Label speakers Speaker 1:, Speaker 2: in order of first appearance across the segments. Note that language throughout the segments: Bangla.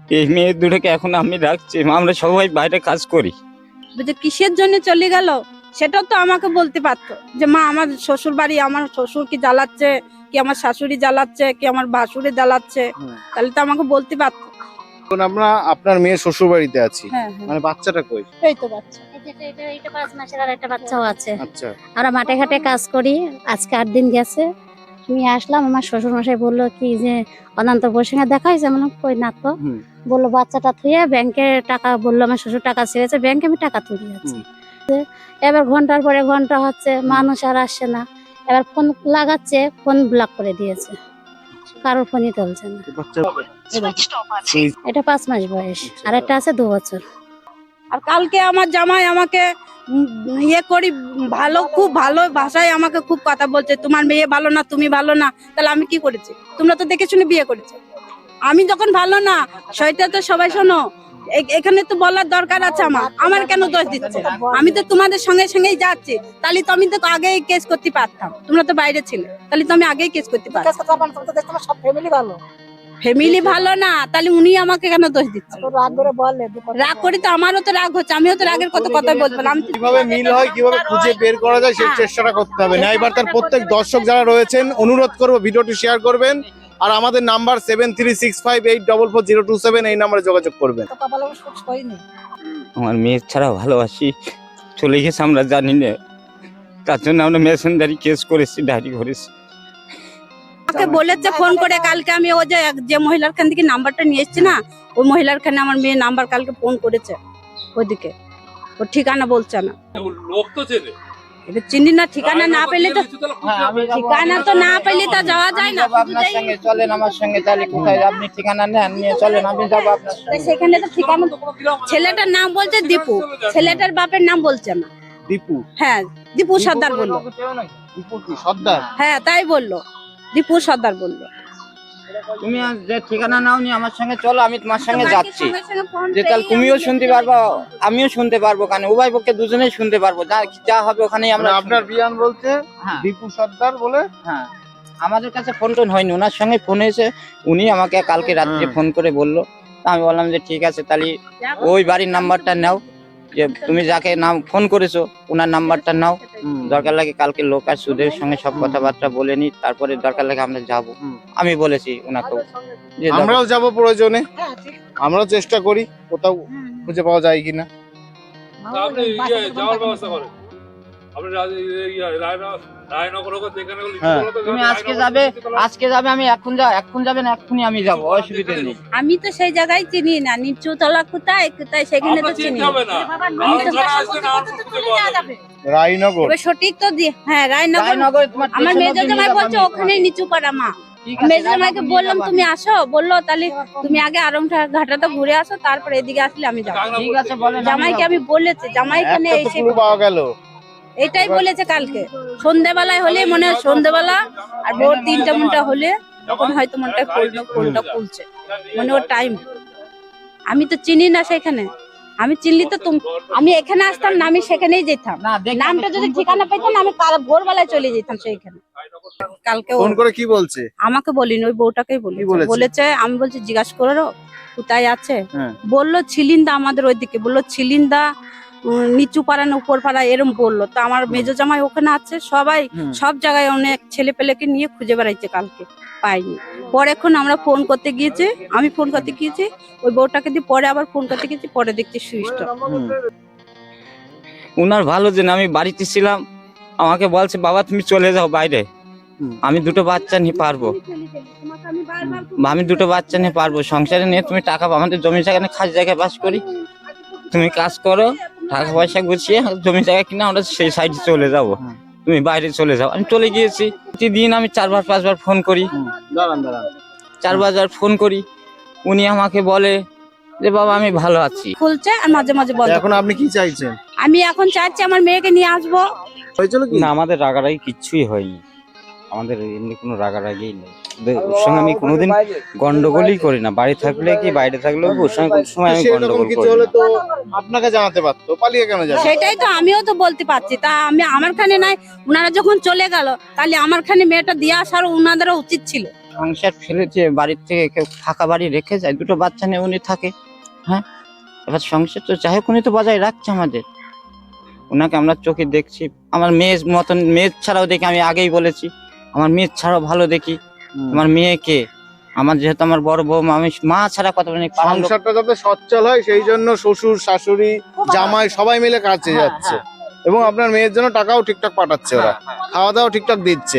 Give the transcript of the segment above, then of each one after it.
Speaker 1: এই মেয়ে দুটোকে এখন আমি রাখছি, আমরা সবাই বাইরে কাজ করি।
Speaker 2: যে কিসের জন্য চলে গেল সেটাও তো আমাকে বলতে পারতো, যে মা আমার শ্বশুর বাড়ি, আমার শ্বশুর কি জ্বালাচ্ছে, কি আমার শাশুড়ি জ্বালাচ্ছে, কি আমার ভাসুরে জ্বালাচ্ছে, তাহলে তো আমাকে বলতে পারতো।
Speaker 3: এখন আমরা আপনার মেয়ের শ্বশুর বাড়িতে আছি,
Speaker 2: হ্যাঁ হ্যাঁ,
Speaker 3: মানে বাচ্চাটা কই?
Speaker 2: এই তো বাচ্চা।
Speaker 4: এটা 5 মাসের আর একটা বাচ্চাও আছে।
Speaker 3: আচ্ছা,
Speaker 4: আমরা মাঠে ঘাটে কাজ করি, আজকে 8 দিন গেছে। আমি আসলাম, আমার শ্বশুর মশাই বললো কি যে অনন্ত বোর সঙ্গে দেখা হয়েছে, আমি বললাম কই না তো।
Speaker 3: হুম।
Speaker 4: বললো বাচ্চাটা থুয়ে ব্যাংকে টাকা, বললো আমার শ্বশুর টাকা ছেড়েছে ব্যাংকে, আমি টাকা তুলে যাচ্ছি। এবার ঘন্টার পরে ঘন্টা হচ্ছে, মানুষ আর আসছে না। এবার ফোন লাগাচ্ছে, ফোন ব্লক করে দিয়েছে, কারোর ফোনই তুলছে না।
Speaker 3: বাচ্চা
Speaker 4: এটা 5 মাস বয়স, আর একটা আছে 2 বছর।
Speaker 2: আর কালকে আমার জামাই আমাকে ইয়ে করি ভালো, খুব ভালো ভাষায় আমাকে খুব কথা বলছে, তোমার মেয়ে ভালো না, তুমি ভালো না। তাহলে আমি কি করেছি? তোমরা তো দেখে শুনে বিয়ে করেছো। আমি যখন ভালো না, সেটা তো সবাই শোনো, এখানে তো বলার দরকার আছে। আমার কেন দোষ দিচ্ছে? আমি তো তোমাদের সঙ্গে সঙ্গেই যাচ্ছি, তাহলে তো আমি তো আগেই কেস করতে পারতাম। তোমরা তো বাইরে ছিলে, তাহলে তো আমি আগেই কেস করতে পারতাম। ফ্যামিলি ভালো না, তাহলে উনি আমাকে কেন দোষ দিচ্ছে? রাগ করি তো, আমারও তো রাগ হচ্ছে, আমিও তো রাগের কত কথা বলবো না। আমি তো
Speaker 3: কিভাবে মিল হয়, কিভাবে খুঁজে বের করা যায় সেই চেষ্টাটা করতে হবে। ন্যায়বার্তার প্রত্যেক দর্শক যারা রয়েছেন অনুরোধ করবো ভিডিওটি শেয়ার করবেন, আর আমাদের নাম্বার 7365844027 এই নাম্বারে যোগাযোগ করবেন।
Speaker 1: আমার মেয়ে ছাড়া ভালোবাসি, চলে গেছে আমরা জানি না, তার জন্য আমরা মেশিনদারি কেস করেছি, ডায়েরি করেছি।
Speaker 2: আমাকে বলেছে ফোন করে কালকে, আমি ও যে মহিলার খান থেকে নাম্বারটা নিয়ে এসেছি না, ওই মহিলার খানে আমার মেয়ে নাম্বার কালকে ফোন করেছে ওইদিকে, ওর ঠিকানা বলছে না।
Speaker 5: লোক তো চেনে,
Speaker 2: এবার চিনি না, ঠিকানা না পেলে তো, ঠিকানা তো না পেলে তো যাওয়া যায় না।
Speaker 6: আপনার সঙ্গে চলেন, আমার সঙ্গে, তাহলে কোথায় আপনি ঠিকানা নেন, নিয়ে চলেন, আমি যাবো আপনার সঙ্গে।
Speaker 2: সেখানে তো ঠিকানা, ছেলেটার নাম বলছে দীপু, ছেলেটার বাপের নাম বলছে না।
Speaker 3: দীপু?
Speaker 2: হ্যাঁ, দীপু সর্দার বললো।
Speaker 3: দীপু কি সর্দার?
Speaker 2: হ্যাঁ তাই বললো, দীপু সর্দার বললো।
Speaker 6: তুমি আর যে ঠিকানা নাও নি, আমার সঙ্গে চলো, আমি তোমার সঙ্গে যাচ্ছি।
Speaker 2: সঙ্গে সঙ্গে ফোন
Speaker 6: যে তাহলে
Speaker 2: পেয়ে
Speaker 6: তুমিও
Speaker 2: আমি
Speaker 6: শুনতে পারবা, আমিও শুনতে পারবো, কারণ উভয় পক্ষে দুজনেই শুনতে পারবো, যা যা হবে ওখানেই আমরা
Speaker 3: মানে আপনার বিয়ান বলছে
Speaker 6: হ্যাঁ।
Speaker 3: দীপু সর্দার বলে?
Speaker 6: হ্যাঁ, আমাদের কাছে ফোন টোন হয়নি, ওনার সঙ্গে ফোন হয়েছে, উনি আমাকে কালকে রাত্রে ফোন করে বললো। তা আমি বললাম যে ঠিক আছে, তাহলে ওই বাড়ির নাম্বারটা নাও, যে তুমি যাকে নাম ফোন করেছো ওনার নাম্বারটা নাও, দরকার লাগে কালকে লোক আর সুদের সঙ্গে সব কথাবার্তা বলে নি, তারপরে দরকার লাগে আমরা যাবো। আমি বলেছি ওনাকে যে
Speaker 3: আমরাও যাব প্রয়োজনে, আমরাও চেষ্টা করি কোথাও খুঁজে পাওয়া যায় কিনা।
Speaker 5: আপনি যাওয়ার ব্যবস্থা করেন, আপনি রায়নগর যেখানে
Speaker 6: তুমি আজকে যাবে, আজকে যাবে, আমি এখন যাবে না, এক্ষুনি আমি যাবো, অসুবিধা নেই।
Speaker 2: আমি তো সেই জায়গায় চিনি না, নিচু তলা কোথায় কোথায় সেখানে তো চিনি না।
Speaker 5: হবে না,
Speaker 3: রায়নগর?
Speaker 2: এবার সঠিক তো হ্যাঁ রায়নগর।
Speaker 6: রায়নগরে তোমার
Speaker 2: আমার মেজো
Speaker 6: স্টেশন অবধি
Speaker 2: জামাই
Speaker 6: নিয়ে
Speaker 2: বলছে
Speaker 6: যাবো আমি।
Speaker 2: ওখানেই নিচু পাড়া মা।
Speaker 6: ঠিক আছে,
Speaker 2: মেজো জামাইকে
Speaker 6: রায়নগর
Speaker 2: বললাম
Speaker 6: নিয়ে
Speaker 2: তুমি
Speaker 6: যাবো
Speaker 2: আসো, বললো তাহলে তুমি আগে আরংটা ঘাটাটা ঘুরে আসো, তারপরে এদিকে আসলে আমি যাবো।
Speaker 6: আমি। ঠিক আছে, বলেন,
Speaker 2: জামাইকে আমি বলেছি, জামাই এখানে
Speaker 3: একটা তো
Speaker 2: এসে
Speaker 3: পুরো পাওয়া গেল।
Speaker 2: এটাই বলেছে কালকে সন্ধ্যেবেলায় হলে, মনে হয় সন্ধ্যেবেলা আর ভোর 3টা মনটা হলে তখন হয়তো মনটা ফোনটা খুলছে, মানে ওর টাইম। আমি তো চিনি না সেখানে, আমি চিনলি তো আমি এখানে আসতাম না, আমি সেখানেই যেতাম।
Speaker 6: না, দেখি
Speaker 2: নামটা
Speaker 6: আমি
Speaker 2: যদি
Speaker 6: ফোন
Speaker 2: ঠিকানা
Speaker 6: করতে
Speaker 2: পেতাম আমি ভোরবেলায় চলে যেতাম সেইখানে। কালকে
Speaker 3: ফোন করে কি বলছে?
Speaker 2: আমাকে বলিনি, ওই বউটাকেই
Speaker 3: কি বলেছে?
Speaker 2: বলেছে। আমি বলছি জিজ্ঞাসা করো কোথায় আছে,
Speaker 3: হ্যাঁ।
Speaker 2: বললো ছিলিন্দা, আমাদের ওইদিকে বললো ছিলিন্দা, নিচু পাড়া না উপর পাড়া এরম বললো। তো আমার মেজো জামাই ওখানে আছে, সবাই সব জায়গায় অনেক ছেলে পেলেকে নিয়ে খুঁজে বেড়াইছে, কালকে পাইনি। পরে এখন আমরা ফোন করতে গিয়েছি, আমি ফোন করতে গিয়েছি, ওই বউটাকে দিয়ে পরে আবার ফোন করতে গিয়েছি, পরে দেখছি সুইচ অফ।
Speaker 1: উনার ভালো যে আমি বাড়িতে ছিলাম, আমাকে বলছে বাবা তুমি চলে যাও বাইরে, আমি দুটো বাচ্চা নিয়ে পারবো, আমি দুটো বাচ্চা নিয়ে পারবো, সংসারে নিয়ে তুমি টাকা আমাদের জমি জায়গা নিয়ে খাস জায়গায় বাস করি, তুমি কাজ করো, টাকা পয়সা গুছিয়ে জমি জায়গা কিনে আমরা সেই সাইডে চলে যাব, তুমি বাইরে চলে যাও। আমি চলে গিয়েছি, প্রতিদিন আমি 4বার 5বার ফোন করি,
Speaker 3: দাঁড়ান
Speaker 1: 4বার ফোন করি, উনি আমাকে বলে যে বাবা আমি ভালো আছি।
Speaker 2: খুলছে আর মাঝে মাঝে বন্ধ।
Speaker 3: এখন আপনি কি চাইছেন?
Speaker 2: আমি এখন চাচ্ছি আমার মেয়েকে নিয়ে আসবো।
Speaker 3: হয়েছিল কি?
Speaker 1: না, আমাদের রাগারাগি কিচ্ছুই হয়নি, আমাদের এমনি কোনো রাগারাগি নেই, ওর সঙ্গে আমি কোনোদিন গন্ডগোলই করি না, বাড়ি থাকলে কি বাইরে থাকলেও ওর সঙ্গে কোনো সময় আমি
Speaker 3: সেরকম
Speaker 1: গন্ডগোল
Speaker 3: কিছু
Speaker 1: করি
Speaker 3: হলে
Speaker 1: না।
Speaker 3: তো আপনাকে জানাতে পারতো, পালিয়ে কেন যাবে?
Speaker 2: সেটাই তো আমিও তো বলতে পারছি, তা আমি আমার খানে নাই, উনারা যখন চলে গেল তাহলে আমার খানে মেয়েটা দিয়ে আসার উনাদেরও উচিত ছিল।
Speaker 1: সংসার ফেলেছে, বাড়ির থেকে কেউ ফাঁকা বাড়ি রেখে যায়, দুটো বাচ্চা নিয়ে উনি থাকে। হ্যাঁ, এবার সংসার তো যাই হোক উনি তো বজায় রাখছে আমাদের, ওনাকে আমরা চোখে দেখছি। আমার মেয়ের মতন, মেয়ের ছাড়াও দেখি, আমি আগেই বলেছি আমার মেয়ের ছাড়াও ভালো দেখি। আমার মেয়েকে, আমার যেহেতু আমার বড় বৌমা, আমি মা ছাড়া কথা বলি না, পাড়ার লোক-
Speaker 3: সংসারটা যাতে সচ্ছল হয় সেই জন্য শ্বশুর শাশুড়ি জামাই সবাই মিলে কাজে
Speaker 1: হ্যাঁ,
Speaker 3: যাচ্ছে, এবং আপনার মেয়ের জন্য টাকাও ঠিকঠাক পাঠাচ্ছে, ওরা খাওয়া দাওয়া ঠিকঠাক দিচ্ছে।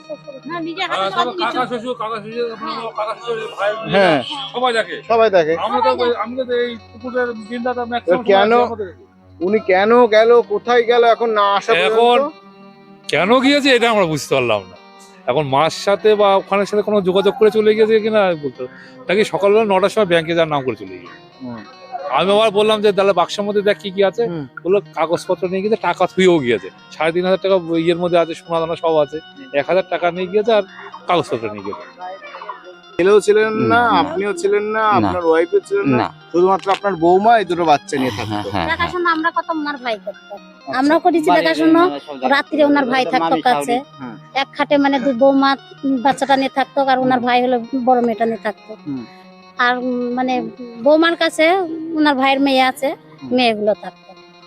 Speaker 5: কাকা শ্বশুর কাকা শ্বশুর ভাই
Speaker 3: হ্যাঁ
Speaker 5: সবাই দেখে।
Speaker 3: সবাই দেখে।
Speaker 5: আমি তো এই পুকুরের দিনটা
Speaker 3: কেন? উনি কেন গেল, কোথায় গেল এখন না আসা
Speaker 5: এখন
Speaker 3: পর্যন্ত?
Speaker 5: কেন গিয়েছে এটা আমরা বুঝতে পারলাম না। এখন মার সাথে বা ওখানের সাথে কোনো যোগাযোগ করে চলে গিয়েছে কিনা বলতে পারবো না। নাকি সকালবেলা 9টার সময় ব্যাংকে যাওয়ার নাম করে চলে গিয়েছে। আমি আবার বললাম যে তাহলে বাক্সের মধ্যে দেখ কি কি আছে, বললো কাগজপত্র নিয়ে গিয়েছে, টাকা থুয়েও গিয়েছে, 3,500 টাকা ইয়ের মধ্যে আছে, সোনা দানা সব আছে, 1,000 টাকা নিয়ে গিয়েছে আর কাগজপত্র নিয়ে গিয়েছে।
Speaker 3: ছেলেও ছিলেন না,
Speaker 1: না।
Speaker 3: আপনিও ছিলেন না,
Speaker 1: না।
Speaker 3: আপনার ওয়াইফও ছিলেন না,
Speaker 1: না।
Speaker 3: শুধুমাত্র আপনার বৌমা এই দুটো বাচ্চা নিয়ে
Speaker 1: হ্যাঁ,
Speaker 3: থাকতো।
Speaker 1: হ্যাঁ, হ্যাঁ।
Speaker 4: দেখাশোনা আমরা কত ওনার ভাই করতো, আমরা করেছি দেখাশোনা। রাত্রে ওনার ভাই থাকতো কাছে,
Speaker 3: হ্যাঁ।
Speaker 4: এক খাটে মানে দুই বৌমা বাচ্চাটা নিয়ে থাকতো, আর ওনার ভাই হলো বড় মেয়েটা নিয়ে থাকতো।
Speaker 3: হুম।
Speaker 4: আর মানে বৌমার কাছে ওনার ভাইয়ের মেয়ে আছে, মেয়েগুলো থাকতো,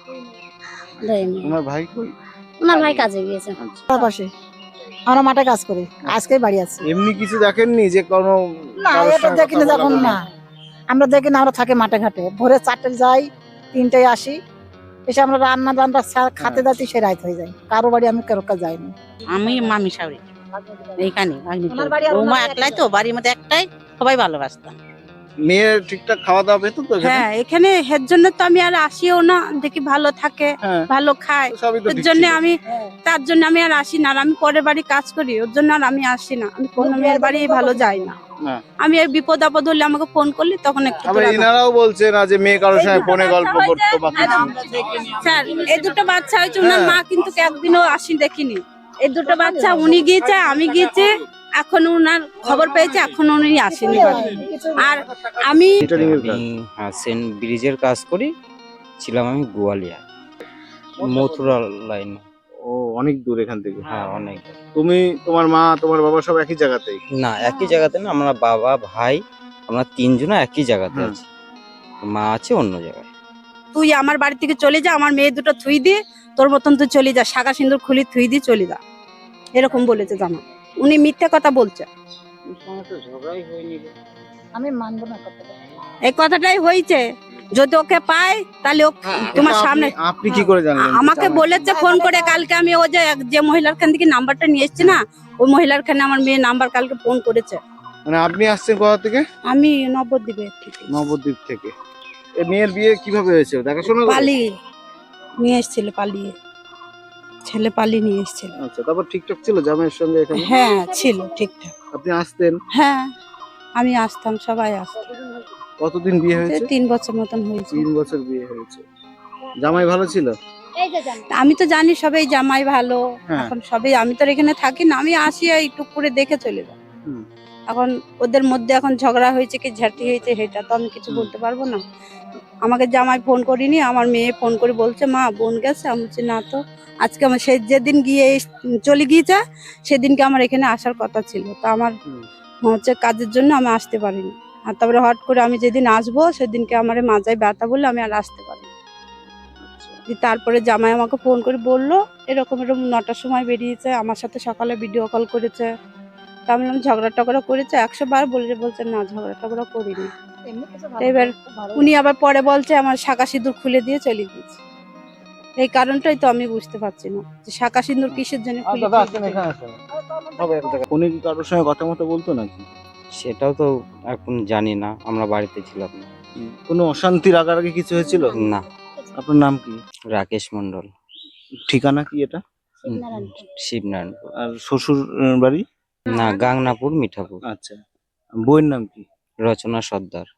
Speaker 4: দুই মেয়ে।
Speaker 3: তোমার ভাই কই?
Speaker 4: ওনার ভাই কাজে গিয়েছে।
Speaker 7: পাশে আমরা মাঠে কাজ করি, আজকে বাড়ি আছি।
Speaker 3: এমনি কিছু দেখেননি যে কোনো
Speaker 7: না,
Speaker 3: কারোর
Speaker 7: এটা
Speaker 3: সঙ্গে
Speaker 7: দেখি না,
Speaker 3: কথা
Speaker 7: যখন
Speaker 3: বলা
Speaker 7: না আমরা দেখি না, আমরা থাকি মাঠে ঘাটে, ভোরে 4টায় যাই, 3টায় আসি, এসে আমরা রান্না বান্না খাতে যাচ্ছি, সে রাত হয়ে যায়। কারো বাড়ি আমি কারো কাছে যাইনি।
Speaker 8: আমি মামি শাওরি এইখানে
Speaker 7: ওনার বাড়ি আর
Speaker 8: বৌমা
Speaker 7: ওনার
Speaker 8: একলাই তো, বাড়ির মধ্যে একটাই, সবাই ভালোবাসতাম।
Speaker 3: মেয়ের ঠিকঠাক খাওয়া দাওয়া পেতো তো এখানে?
Speaker 2: হ্যাঁ, এখানে এর জন্য তো আমি আর আসিও না, দেখি ভালো থাকে,
Speaker 3: হ্যাঁ,
Speaker 2: ভালো খায়,
Speaker 3: তো সবই তো
Speaker 2: এর
Speaker 3: ঠিক
Speaker 2: জন্য
Speaker 3: ছিল।
Speaker 2: আমি, তার জন্য আমি আর আসি না। আর আমি পরের বাড়ি কাজ করি, ওর জন্য আর আমি আসি না। আমি কোনো মেয়ের বাড়ি ভালো যাই না।
Speaker 3: না।
Speaker 2: আমি এই বিপদ আপদ হলে আমাকে ফোন করলি তখন একটু
Speaker 3: আবার
Speaker 2: তোরা-
Speaker 3: এনারাও বলছে না যে মেয়ে কারোর সঙ্গে ফোনে গল্প করতো বা কিছু।
Speaker 2: স্যার, এই দুটো বাচ্চা হয়েছে, ওনার
Speaker 3: হ্যাঁ।
Speaker 2: মা কিন্তু একদিনও আসি দেখিনি। এই দুটো বাচ্চা উনি গিয়েছে, আমি গিয়েছে, এখন ওনার খবর পেয়েছে, এখন উনি আসেনি বাড়ি। আর আমি
Speaker 3: Catering এর কাজ।
Speaker 6: হ্যাঁ, সেন্ট ব্রিজের কাজ করি, ছিলাম আমি গোয়ালিয়া, মথুরা লাইন।
Speaker 3: ও অনেক দূর এখান থেকে।
Speaker 6: হ্যাঁ, অনেক।
Speaker 3: তুমি, তোমার মা, তোমার বাবা সব একই জায়গাতেই?
Speaker 6: না, একই জায়গাতে না, আমরা বাবা ভাই আমরা 3 জন একই জায়গাতে
Speaker 3: হুম।
Speaker 6: আছি, মা আছে অন্য জায়গায়।
Speaker 2: তুই আমার বাড়ি থেকে চলে যা, আমার মেয়ে দুটো থুই দিয়ে, তোর মতন তুই চলে যা, শাখা সিন্দুর খুলি থুই দিয়ে চলে যা, এরকম বলেছে জামা। উনি মিথ্যে কথা বলছে।
Speaker 7: আমি মানবো না কথাটা।
Speaker 2: এই কথাটাই হয়েছে, যদি ওকে পাই তাহলে তোমার
Speaker 3: এটা
Speaker 2: সামনে।
Speaker 3: আপনি কি করে জানলেন?
Speaker 2: আমাকে বলেছে ফোন করে কালকে, আমি ও যে মহিলার খান থেকে নাম্বারটা নিয়ে এসেছি না, ওই মহিলার খানে আমার মেয়ে নাম্বার কালকে ফোন করেছে।
Speaker 3: মানে আপনি আসছেন কোথা থেকে?
Speaker 2: আমি নবদ্বীপে
Speaker 3: নবদ্বীপ থেকে। এই মেয়ের বিয়ে কিভাবে হয়েছে, দেখাশোনা করে?
Speaker 2: পালিয়ে নিয়ে এসেছিল, পালিয়ে ছেলে পালিয়ে নিয়ে এসেছিল।
Speaker 3: আচ্ছা, তারপর ঠিকঠাক ছিল জামাইয়ের সঙ্গে এখানে?
Speaker 2: হ্যাঁ, ছিল ঠিকঠাক।
Speaker 3: আপনি আসতেন?
Speaker 2: হ্যাঁ, আমি আসতাম, সবাই আসতাম।
Speaker 3: কতদিন বিয়ে হয়েছে?
Speaker 2: 3 বছর মতন হয়েছে।
Speaker 3: 3 বছর বিয়ে হয়েছে। জামাই ভালো ছিল?
Speaker 2: আমি তো জানি সবাই জামাই ভালো,
Speaker 3: হ্যাঁ।
Speaker 2: এখন সবাই, আমি তো আর এখানে থাকি না, আমি আসি এই টুক করে দেখে চলে যাই।
Speaker 3: হুম।
Speaker 2: এখন ওদের মধ্যে এখন ঝগড়া হয়েছে কি ঝাঁটি হয়েছে সেটা তো আমি কিছু বলতে পারবো না। আমাকে জামাই ফোন করিনি, আমার মেয়ে ফোন করে বলছে মা বোন গেছে, আমি বলছি না তো, আজকে আমার সেই যেদিন গিয়ে চলে গিয়েছে সেদিনকে আমার এখানে আসার কথা ছিল, তো আমার হচ্ছে কাজের জন্য আমি আসতে পারিনি। আর তারপরে হট করে আমি যেদিন আসবো সেদিনকে আমার মাজায় ব্যথা বলে আমি আর আসতে পারিনি। তারপরে জামাই আমাকে ফোন করে বললো এরকম এরকম 9টার সময় বেরিয়েছে, আমার সাথে সকালে ভিডিও কল করেছে। তা আমি বললাম ঝগড়া টগড়া করেছে, 100 বার বলছে না ঝগড়া টগড়া করিনি। এবার উনি আবার পরে বলছে আমার শাঁখা সিঁদুর খুলে দিয়ে চলে গিয়েছে। এই কারণটাই তো আমি বুঝতে পারছি না যে শাঁখা সিঁদুর কিসের জন্য খুলে দিয়েছে।
Speaker 3: উনি কি কারোর সঙ্গে কথা মতো বলতো নাকি?
Speaker 6: সেটাও তো এখন জানি না, আমরা বাড়িতে ছিলাম না।
Speaker 3: কোনো অশান্তি রাগারাগি কিছু হয়েছিল?
Speaker 6: না।
Speaker 3: আপনার নাম কি?
Speaker 6: রাকেশ মন্ডল।
Speaker 3: ঠিকানা কি এটা?
Speaker 6: শিবনারায়ণপুর।
Speaker 3: আর শ্বশুর বাড়ি?
Speaker 6: না, গাংনাপুর মিঠাপুর।
Speaker 3: আচ্ছা, বইয়ের নাম কি?
Speaker 6: রচনা সর্দার।